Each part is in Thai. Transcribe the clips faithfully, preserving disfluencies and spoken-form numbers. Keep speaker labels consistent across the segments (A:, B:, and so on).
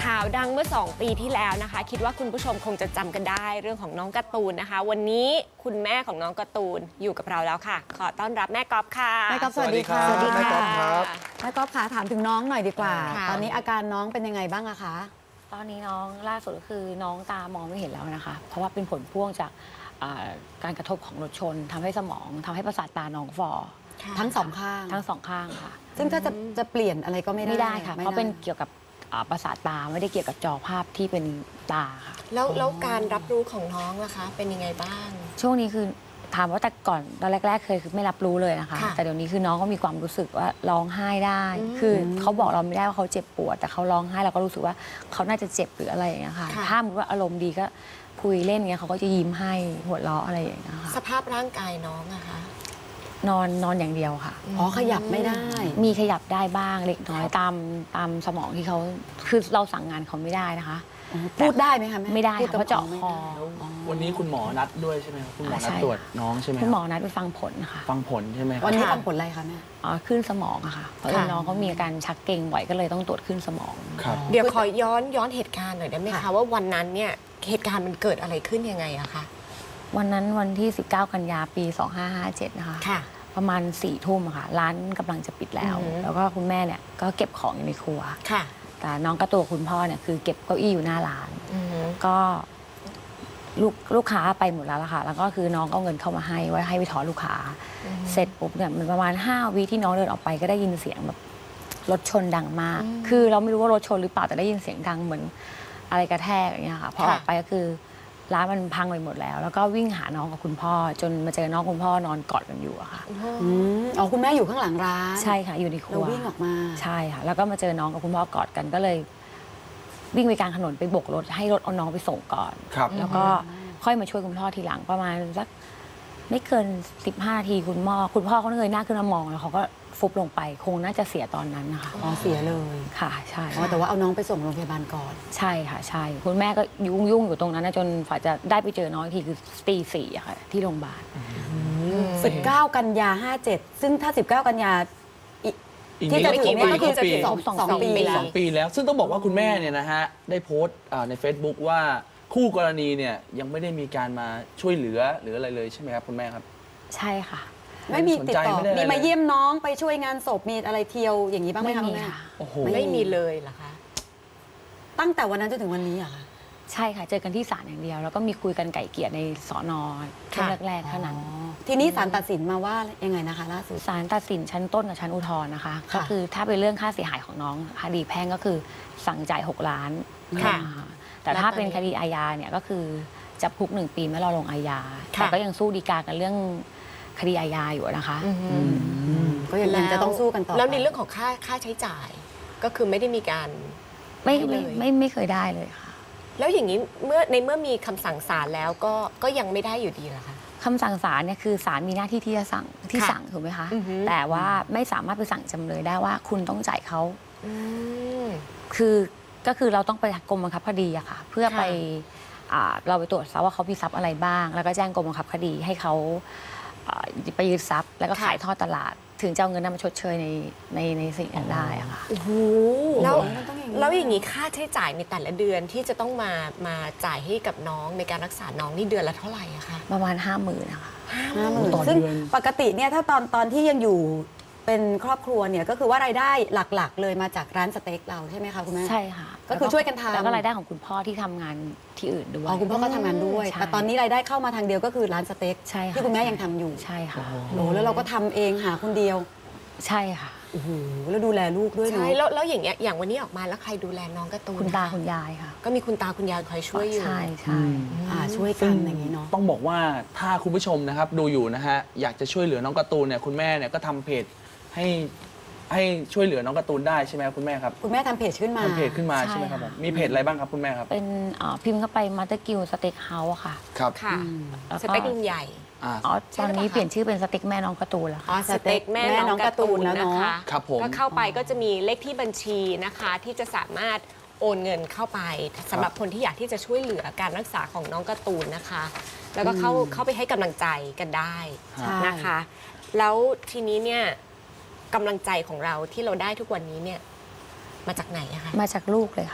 A: ข่าวดังเมื่อสองปีที่แล้วนะคะคิดว่าคุณผู้ชมคงจะจำกันได้เรื่องของน้องการ์ตูนนะคะวันนี้คุณแม่ของน้องการ์ตูนอยู่กับเราแล้วค่ะขอต้อนรับแม่ก๊อฟค่ะ
B: แม่ก๊อฟสวัสดีค่ะ
C: สวัสดีค่ะ
B: แม่ก๊อฟค่ะถามถึงน้องหน่อยดีกว่า
A: ค่ะ
B: ตอนนี้อาการน้องเป็นยังไงบ้างอะคะ
C: ตอนนี้น้องล่าสุดก็คือน้องตามองไม่เห็นแล้วนะคะ เพราะว่าเป็นผลพ่วงจากการกระทบของรถชนทำให้สมองทำให้ประสาทตาน้องฝ่อ
B: ทั้งสองข้าง
C: ทั้งสองข้างค่ะ
B: ซึ่งถ้าจะจะเปลี่ยนอะไรก็ไม่ได้
C: ไม่ได้ค่ะ
B: ไม่
C: เพราะเป็นเกี่ยวกับอ่าประสาทตาไม่ได้เกี่ยวกับจอภาพที่เป็นตาค่ะ
A: แล้วแล้วการรับรู้ของน้องล่ะคะ เป็นยังไงบ้าง
C: ช่วงนี้คือถามว่าแต่ก่อนตอนแรกๆเคยคือไม่รับรู้เลยนะคะ
A: ค่ะ
C: แต่เดี๋ยวนี้คือน้องก็มีความรู้สึกว่าร้องไห้ได้
A: อืม
C: คือเขาบอกเราไม่ได้ว่าเขาเจ็บปวดแต่เขาร้องไห้เราก็รู้สึกว่าเขาน่าจะเจ็บหรืออะไรอย่างเงี้ยค่ะ
A: ค่ะ
C: ถ้าสมมติว่าอารมณ์ดีก็คุยเล่นเงี้ยเขาก็จะยิ้มให้หัวเราะอะไรอย่างเงี้ยค่ะ
A: สภาพร่างกายน้องอะคะ
C: นอนนอนอย่างเดียวค่ะ
B: อ๋อขยับไม่ได้
C: มีขยับได้บ้างเล็กน้อยตามตามสมองที่เขาคือเราสั่งงานเขาไม่ได้นะคะ
B: พูดได้ไหมคะแม่
C: ไม่ได้
B: พู
C: ค่ะ
B: กับ
C: เพราะเจาะ
B: ไม่
C: คอ
B: ได้
D: วันนี้คุณหมอนัดด้วยใช่ไหมครับคุณหมอ
C: อ่า
D: นัด
C: ใช่
D: ตรวจน้องใช่ไหม
C: คุณหมอ
D: รับ
C: นัดไปฟังผลค่ะ
D: ฟังผลใช่ไหมครับ
B: วันนี้
A: ค่ะ
B: ฟังผลอะไรคะแม่
C: อ๋อขึ้นสมองอะค่ะเพราะเอิญน้องเขามีอาการชักเกร็งบ่อยก็เลยต้องตรวจขึ้นสมอง
D: ครับ
A: เดี๋ยวขอย้อนย้อนเหตุการณ์หน่อยได้ไหมคะ
B: ค่ะ
A: ว่าวันนั้นเนี่ยเหตุการณ์มันเกิดอะไรขึ้นยังไงอะคะ
C: วันนั้นวันที่ สิบเก้า กันยาปี สองห้าห้าเจ็ด นะคะ
A: ค่ะ
C: ประมาณสี่ทุ่มอะค่ะ ร้านกำลังจะปิดแล้ว
A: อือหือ
C: แล้วก็คุณแม่เนี่ยก็เก็บของอยู่ในครัว
A: ค่ะ
C: แต่น้องก็ตัวคุณพ่อเนี่ยคือเก็บเก้าอี้อยู่หน้าร้าน
A: อือฮึ
C: ก็ลูกลูกค้าไปหมดแล้วล่ะค่ะ แล้วก็คือน้องเอาเงินเข้ามาให้ไว้ให้ไปถอนลูกค้า เสร็จปุ๊บเนี่ยมันประมาณห้าวิที่น้องเดินออกไปก็ได้ยินเสียงแบบรถชนดังมาก คือเราไม่รู้ว่ารถชนหรือเปล่าแต่ได้ยินเสียงดังเหมือนอะไรกระแทกอย่างเงี้ยค่ะพอออกไปก็คือร้านมันพังไปหมดแล้ว แล้วก็วิ่งหาน้องกับคุณพ่อ จนมาเจอน้องคุณพ่อนอนกอดกันอยู่อะค่ะ
B: อืมอ๋อคุณแม่อยู่ข้างหลังร้าน
C: ใช่ค่ะอยู่ในครั
B: เรา
C: ว
B: วิ่งออกมา
C: ใช่ค่ะ แล้วก็มาเจอน้องกับคุณพ่อกอดกันก็เลย วิ่งไปกลางถนนไปโบกรถให้รถเอาน้องไปส่งก่อน
D: ครับ
C: แล้วก็ค่อยมาช่วยคุณพ่อทีหลังประมาณสักไม่เกินสิบห้านาทีคุณพ่อคุณพ่อเขาเงยหน้าขึ้นมามองแล้วเขาก็ฟุบลงไป คงน่าจะเสียตอนนั้นนะคะ
B: อ๋อเสียเลย
C: ค่ะใช่
B: อ๋อแต่ว่าเอาน้องไปส่งโรงพยาบาลก่อน
C: ใช่ค่ะใช่ คุณแม่ก็ยุ่งยุ่งอยู่ตรงนั้นนะจนฝ่าจะได้ไปเจอน้องอีกทีคือตีสี่อะค่ะที่โรงพยาบาล
B: สิบเก้า กันยาห้าเจ็ดซึ่งถ้า สิบเก้า กันยาอีก
D: อีก
B: ที่จะ
D: ไม่
B: ถึ
D: กี่
B: งเนี่ย
D: ปี
B: ก็คือจะ
D: ปี
B: สอง
C: สอง
B: สอง
C: ปี
B: ปี
D: สองปีแล้ว ซึ่งต้องบอกว่าคุณแม่เนี่ยนะฮะได้โพสต์อ่าใน Facebook ว่าคู่กรณีเนี่ยยังไม่ได้มีการมาช่วยเหลือหรืออะไรเลยใช่ไหมครับคุณแม่ครับ
C: ใช่ค่ะ
B: ไม่มีติดต่อ
D: ไม่ได้อะไร
B: มีมาเยี่ยมน้องไปช่วยงานศพมีอะไรเที่ยวอย่างนี้บ้างไหม
C: ไม่
B: คะ
C: มี
B: คุณแม่
C: ค่ะ
D: โอ้โห
A: ไม่มีเลยเหรอคะ
B: ตั้งแต่วันนั้นจนถึงวันนี้เหรอะคะ
C: ใช่ค่ะ เจอกันที่ศาลอย่างเดียว แล้วก็มีคุยกันไก่เกลี่ยในสอนอช่วง
A: ค่ะ
C: แรกๆเท่านั้น
B: ทีนี้ศาลตัดสินมาว่ายังไงนะคะล่าสุด
C: ศาลตัดสินชั้นต้นกับชั้นอุทธรณ์นะคะ
B: ค่ะ
C: ก็คือถ้าเป็นเรื่องค่าเสียหายของน้องคดีแพ่งก็คือสั่งจ่ายหกล้าน
A: ค่ะ
C: อ่าแต่ถ้าเป็นคดีอาญาเนี่ยก็คือจำคุกหนึ่งปีไม่รอลงอาญา
A: ค่ะ
C: แต่ก็ยังสู้ฎีกากันเรื่องคดีอาญาอยู่นะคะ
A: อือฮึ
B: ก็ยังยังจะต้องสู้กันต่อ
A: แล้วใน
B: ไป
A: เรื่องของค่าค่าใช้จ่าย ก็คือไม่ได้มีการ
C: ไม่
A: ให้เล
C: ไม่
A: ย
C: ไม่ไม่เคยได้เลยค่ะ
A: แล้วอย่างนี้เมื่อในเมื่อมีคำสั่งศาลแล้วก็ก็ยังไม่ได้อยู่ดีเหรอคะ
C: คำสั่งศาลเนี่ยคือศาลมีหน้าที่ที่จะสั่งที่
A: ค่ะ
C: สั่งถูกไหมคะ
A: อือฮึ
C: แต่ว่าไม่สามารถไปสั่งจำเลยได้ว่าคุณต้องจ่ายเขา
A: อืม
C: คือก็คือเราต้องไปกรมบังคับคดีอะค่ะ เพื่อ
A: ค่ะ
C: ไปอ่าเราไปตรวจสอบว่าเขามีทรัพย์อะไรบ้าง แล้วก็แจ้งกรมบังคับคดีให้เขาอ่าไปยึดทรัพย์ แล้วก็ขายทอดตลาด ถึงจะเอาเงินนั้นมาชดเชยในในในสิ่งนั้นได้อะค่ะ
A: โอ้โหแล้ว
B: มันต้องอย่างนี้
A: แล้วอย่างนี้ค่าใช้จ่ายในแต่ละเดือนที่จะต้องมามาจ่ายให้กับน้องในการรักษาน้องนี่เดือนละเท่าไหร่อะคะ
C: ประมาณห้าหมื่นนะคะ
B: ห้าหมื่น
D: ต่อ
B: ซึ่ง
D: เดือน
B: ปกติเนี่ยถ้าตอนตอนที่ยังอยู่เป็นครอบครัวเนี่ยก็คือว่ารายได้หลักๆ เลยมาจากร้านสเต็กเราใช่ไหมคะคุณแม่
C: ใช่ค่ะ
B: ก็คือช่วยกันทำ
C: แล้วก็รายได้ของคุณพ่อที่ทำงานที่อื่นด้วย
B: อ๋อคุณพ่อก็ทำงานด้วย
C: ใช่
B: แต่ตอนนี้รายได้เข้ามาทางเดียวก็คือร้านสเต็ก
C: ใช่ค่ะ
B: ที่คุณแม่ยังทำอยู่
C: ใช่ค่ะ
B: โอ้แล้วเราก็ทำเองหาคนเดียว
C: ใช่ค่ะ
B: โอ้โหแล้วดูแลลูกด้วยเนาะ
A: ใช่แล้วแล้วอย่างเงี้ยอย่างวันนี้ออกมาแล้วใครดูแลน้องการ์ตูน
C: คุณตา
A: ะะ
C: คุณยายค่ะ
A: ก็มีคุณตาคุณยายคอยช่วยอยู่
C: ใช่ใช่
B: อ่าช่วยกันอย่างนี้เนาะ
D: ต้องบอกว่าถ้าคุณผู้ชมนะครับดูอยู่นะฮะอยากจะช่วยเหลือน้องการ์ตูนเนี่ยคุณแม่เนี่ยก็ทำเพจให้ให้ช่วยเหลือน้องการ์ตูนได้ใช่ไหมครับคุณแม่ครับ
B: คุณแม่ทำเพจขึ้นมา
D: ทำเพจขึ้นมาใช่ไหมครับผมมีเพจอะไรบ้างครับคุณแม่ครับ
C: เป็นอ่าพิมพ์เข้าไปมาสเตอร์กิลสเต็กเฮาส์ค่ะ
D: ครับ
A: ค่ะ
C: แล้ว
A: สเต็กลุงใหญ่
D: อ่า
C: อ๋อ
A: ใช่
C: ตอนนี้
A: หรือเปล่าคะ
C: เปลี่ยนชื่อเป็นสเต็กแม่น้องการ์ตูนแล้ว
A: อ๋
C: ค่ะ
A: อสเต็กแม่
B: แม่น้
A: น้
B: อ
A: อง งการ์ตูน
B: การ์ตูนแล้ว
A: นะ
B: เนอะ
A: คะ
D: ครับผม
A: ก็เข้าไปก็จะมีเลขที่บัญชีนะคะ ที่จะสามารถโอนเงินเข้าไปสำหรับคนที่อยากที่จะช่วยเหลือการรักษาของน้องการ์ตูนนะคะ แล้วก็เข้าเข้าไปให้กำลังใจกันได้
B: ใช่
A: นะคะ แล้วทีนี้เนี่ยกำลังใจของเราที่เราได้ทุกวันนี้เนี่ยมาจากไหนอะคะ
C: มาจากลูกเลยค่ะ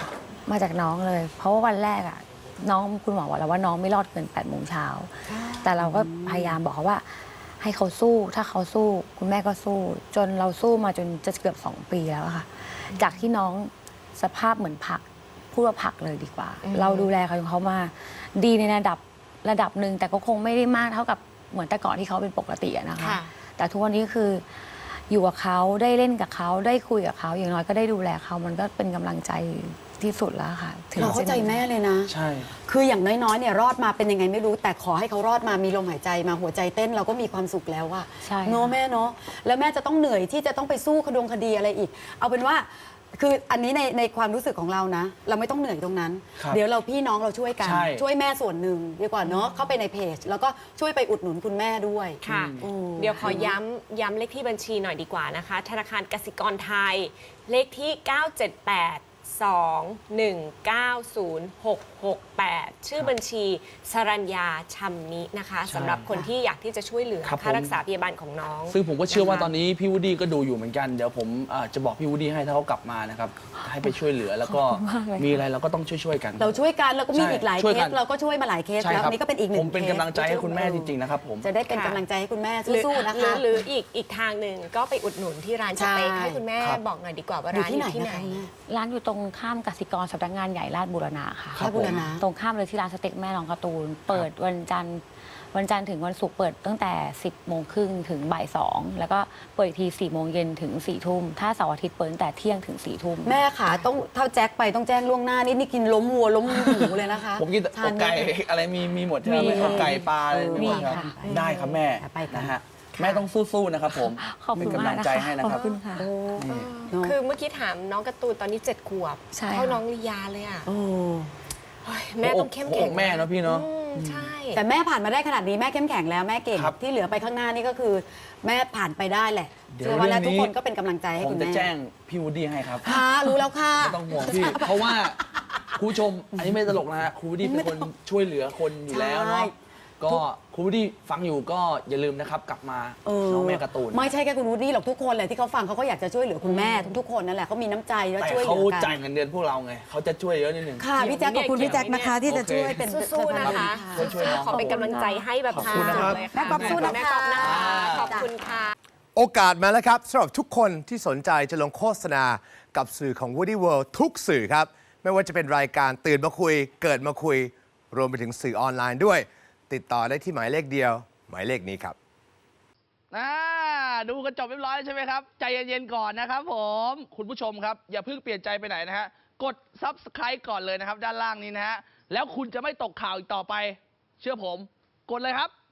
C: มาจากน้องเลย เพราะว่าวันแรกอะน้องคุณหมอบอกแล้วว่าน้องไม่รอดเกินแปดโมงเช้าแต่เราก็พยายามบอกเขาว่าให้เขาสู้ถ้าเขาสู้คุณแม่ก็สู้ จนเราสู้มาจนจะเกือบสองปีแล้วอะค่ะ จากที่น้องสภาพเหมือนผักพูดว่าผักเลยดีกว่า เราดูแลเขาจนเขามาดีในระดับระดับหนึ่งแต่ก็คงไม่ได้มากเท่ากับเหมือนแต่ก่อนที่เขาเป็นปกติอะนะคะ
A: ค่ะ
C: แต่ทุกวันนี้คืออยู่กับเขาได้เล่นกับเขาได้คุยกับเขาอย่างน้อยก็ได้ดูแลเขามันก็เป็นกำลังใจที่สุดแล้วค่ะถึง
B: เราเข้าใจแม่เลยนะ
D: ใช่
B: คืออย่างน้อยๆเนี่ยรอดมาเป็นยังไงไม่รู้ แต่ขอให้เขารอดมามีลมหายใจมาหัวใจเต้นเราก็มีความสุขแล้วอะ
C: ใช่
B: เนาะแม่เนาะแล้วแม่จะต้องเหนื่อยที่จะต้องไปสู้คดงคดีอะไรอีก เอาเป็นว่าคืออันนี้ในในความรู้สึกของเรานะ เราไม่ต้องเหนื่อยตรงนั้น
D: ครับ
B: เดี๋ยวเราพี่น้องเราช่วยกัน
D: ใช่
B: ช่วยแม่ส่วนหนึ่งดีกว่าเนาะเข้าไปในเพจ แล้วก็ช่วยไปอุดหนุนคุณแม่ด้วย
A: ค่ะ
B: อืม
A: เดี๋ยวขอย้ำย้ำเลขที่บัญชีหน่อยดีกว่านะคะ ธนาคารกสิกรไทย เลขที่ เก้า เจ็ด แปด สอง หนึ่ง เก้า ศูนย์ หก หก แปด ชื่อบัญชีสรัญญาชัมนินะคะ
D: ใช่
A: สำหรับคนที่อยากที่จะช่วยเหลือ
D: ครับ
A: ค่า
D: ผม
A: รักษาพยาบาลของน้อง
D: ซึ่งผมก็เชื่อว่า
A: นะคะ
D: ตอนนี้พี่วูดดี้ก็ดูอยู่เหมือนกันเดี๋ยวผมอ่าจะบอกพี่วูดดี้ให้ถ้าเขากลับมานะครับให้ไปช่วยเหลือแล้วก็
C: ขอบคุณมากเลยค่ะ
D: มีอะไรเราก็ต้องช่วยๆกัน
B: เราช่วยกันแล้วก็มี
D: ใช่
B: อีกหลาย
D: ช่วย
B: เค
D: กั
B: ส
D: น
B: เราก็ช่วยมาหลายเคส
D: ใช่
B: แล้ว
D: ครับ
B: นี่ก็เป็นอีกหนึ่ง
D: ผมเป็น
B: คส
D: กำลังใจให้คุณแม่จริงๆนะครับผม
B: จะได้เป็น
A: ค่ะ
B: กำลังใจให้คุณแม่
A: หรือ
B: สู้ๆนะ
A: หรือ
B: คะ
A: หรืออีกอีกทางหนึ่งก็ไปอุดหนุนที่ร้านสเต็ก
B: ใช่
A: ให้คุณแม่
D: ครับ
A: บอกหน่อยดีกว่าว่า
B: อยู่
A: ร้าน
B: ที่
A: อ
B: ไหน
A: ยู่ที่
B: นะ
A: ไหน
B: คะแม่
C: ร้านอยู่ตรงข้ามกสิกรสำนักงานใหญ่ราชบูรณะค่ะ
B: ราชบูรณะ
C: ตรงข้ามเลยที่ร้านสเต็กแม่น้องการ์ตูน เปิดวันจันทร์วันจันทร์ถึงวันศุกร์เปิดตั้งแต่ สิบโมงครึ่งถึงบ่ายสองแล้วก็เปิดอีกทีสี่โมงเย็นถึงสี่ทุ่มถ้าเสาร์อาทิตย์เปิดตั้งแต่เที่ยงถึงสี่ทุ่ม
B: แม่ขาต้องเท่าแจ็คไปต้องแจ้งล่วงหน้านี่นี่กินล้มวัวล้มหมูเลยนะคะ
D: ผมกิน
B: ทา
D: อกไก่
B: ม่
D: อะไรมีมีหมดใช่ไหม
C: มี
D: อกไก่ปลาอะไร
B: เออ
D: มีหมดครับ
C: มีค่ะ
D: ได้ครับแม่
B: ไปกัน
D: นะฮะแม่ต้องสู้ๆนะครับผม
C: ขอบ
D: เป็
C: คุ
D: น
C: ณ
D: กำ
C: มา
D: ลั
C: ก
D: ง
C: นะ
D: ใจ
C: คะ
D: ให้นะ
C: ขอบ
D: ครับ
C: คุณค่ะ
B: โอ้
D: นี่
B: เนอะ
A: คือเมื่อกี้ถามน้องการ์ตูนตอนนี้เจ็ดขวบ
C: ใช่
A: เท่า
C: ค่ะ
A: น้องลียาเลยอ่ะ
B: โอ้
A: โอ้ยแม่ต้องเข้ม
D: หัว
A: แข็
D: อง กแม่เนอะพี่เนอะ
A: อืมใช่
B: แต่แม่ผ่านมาได้ขนาดนี้แม่เข้มแข็งแล้วแม่เก่ง
D: ครับ
B: ที่เหลือไปข้างหน้านี่ก็คือ แม่ผ่านไปได้แหละ
D: เดี๋ยว
B: เชื่อว่าแล้ว
D: เรื่
B: ทุ
D: อก งนี้
B: คนก็เป็นกำลังใจให้
D: ผม
B: คุณ
D: จะ
B: แม่
D: แจ้งพี่วูดดี้ให้ครับ
B: ค่ะรู้แล้วค่ะ
D: ไม่ต้องห่วงพี่ เพราะว่าคุณผู้ชม อันนี้ไม่ตลกนะฮะครูวูดดี้เป็นคนช่วยเหลือคนอยู่แล้วเนาะ
B: ใช่
D: ก็ครูวูดดี้ฟังอยู่ก็อย่าลืมนะครับ กลับมา
B: เออ
D: น้องแม่การ์ตูน
B: ไม่ใช่แค่คุณวูดดี้หรอกทุกคนเลยที่เขาฟังเขาก็อยากจะช่วยเหลือคุณแม่ทุกๆคนนั่นแหละเขามีน้ำใจแล้ว
D: แต่
B: ช่วยเห
D: เขา
B: ลือกั
D: จ่ายเงินเดือนพวกเราไงเขาจะช่วยเยอะนิดนึง
B: ค่ะพี่แจ๊คขอบคุณพี่แจ๊คนะคะ ที่จะช่วยเป็น
A: สู้ๆนะคะ
D: ช่วยๆน้อง
A: ขอเป็นกำลังใจให้แบบ
D: ขอบคุณนะครับ
A: เลย
B: แม่กอบสู้นะคะ
A: แม่กอบนะคะขอบคุณค่ะ
E: โอกาสมาแล้วครับสำหรับทุกคนที่สนใจจะลงโฆษณากับสื่อของ Woody World ทุกสื่อครับ ไม่ว่าจะเป็นรายการตื่นมาคุย เกิดมาคุย รวมไปถึงสื่อออนไลน์ด้วย ติดต่อได้ที่หมายเลขเดียว หมายเลขนี้ครับ
D: อ่าดูกันจบเรียบร้อยแล้วใช่ไหมครับ ใจเย็นๆก่อนนะครับผมคุณผู้ชมครับ อย่าเพิ่งเปลี่ยนใจไปไหนนะฮะ กด ซับสไครบ์ ก่อนเลยนะครับ ด้านล่างนี้นะฮะ แล้วคุณจะไม่ตกข่าวอีกต่อไป เชื่อผม กดเลยครับ